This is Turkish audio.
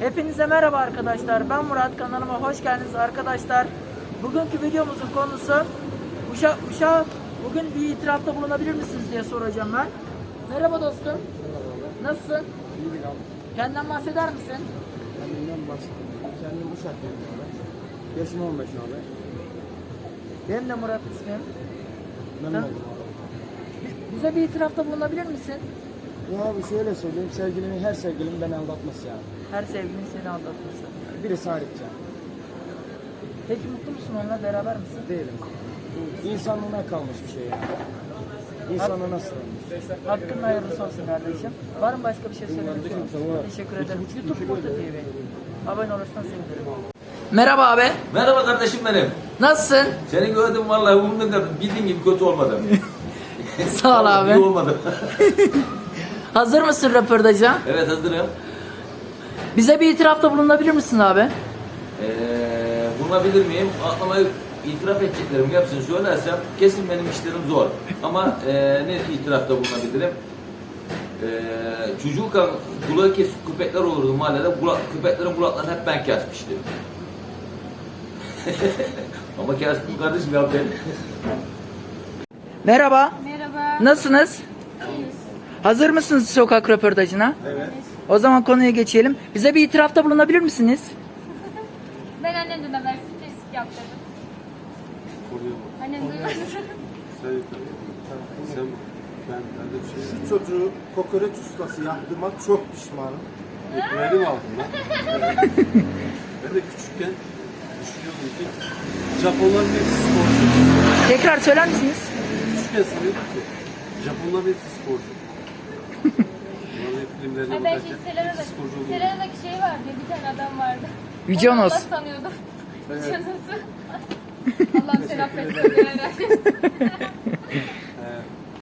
Hepinize merhaba arkadaşlar. Ben Murat, kanalıma hoş geldiniz arkadaşlar. Bugünkü videomuzun konusu Uşak bugün bir itirafta bulunabilir misiniz diye soracağım ben. Merhaba dostum. Merhaba. Nasılsın? İyiyim abi. Kendinden bahseder misin? Kendimden bahsedeyim. Kendim Uşaklıyım abi. Yaşım 15 abi. Benim de Murat ismim. Memnun Tamam. oldum abi. Bize bir itirafta bulunabilir misin? Ya abi şöyle söyleyeyim. Her sevgilim beni aldatması yani. Her sevgilin seni aldatması. Birisi hariç yani. Peki mutlu musun onunla, beraber misin? Değilim. Bu insanlığına kalmış bir şey yani. İnsanlığına sığınmış. Hakkın hayırlısı olsun kardeşim. Var mı başka bir şey söylemek istiyorsun? Teşekkür ederim. YouTube Kurtu TV. Abone olursan sevinirim. Merhaba abi. Merhaba kardeşim benim. Nasılsın? Seni gördüm vallahi umurumda kadar bildiğin gibi kötü olmadı. Sağ ol abi. İyi olmadı. Hazır mısın röportaja? Evet hazırım. Bize bir itirafta bulunabilir misin abi? Bulunabilir miyim? Aklıma itiraf edeceklerim hepsini söylersem kesin benim işlerim zor. Ama ne itirafta bulunabilirim? Çocukken kulağı kesik köpekler olurdu mahallede. Köpeklerin kulaklarını hep ben kesmiştim. Ama kestim kardeşim ya ben. Merhaba. Merhaba. Nasılsınız? İyiyiz. Hazır mısınız sokak röportajına? Evet. O zaman konuya geçelim. Bize bir itirafta bulunabilir misiniz? Ben annemden haber kesik yaptırdım. Annem duymasın. Sen ben de bir şey. Şu çocuğu kokoreç ustası yaptığıma çok pişmanım. Ekmeğini mi aldın lan? Ben de küçükken düşünüyordum ki Japonların hepsi sporcu. Tekrar söyler misiniz? Küçükken sanıyordum ki Japonların hepsi sporcu. Bunların filmlerine Ben bakarken şey hepsi sporcu oluyor. Selena'daki şey vardı ya, bir tane adam vardı. Yüce Onu Onos. Allah sanıyordum. Canısı. Allah'ım seni affetsin.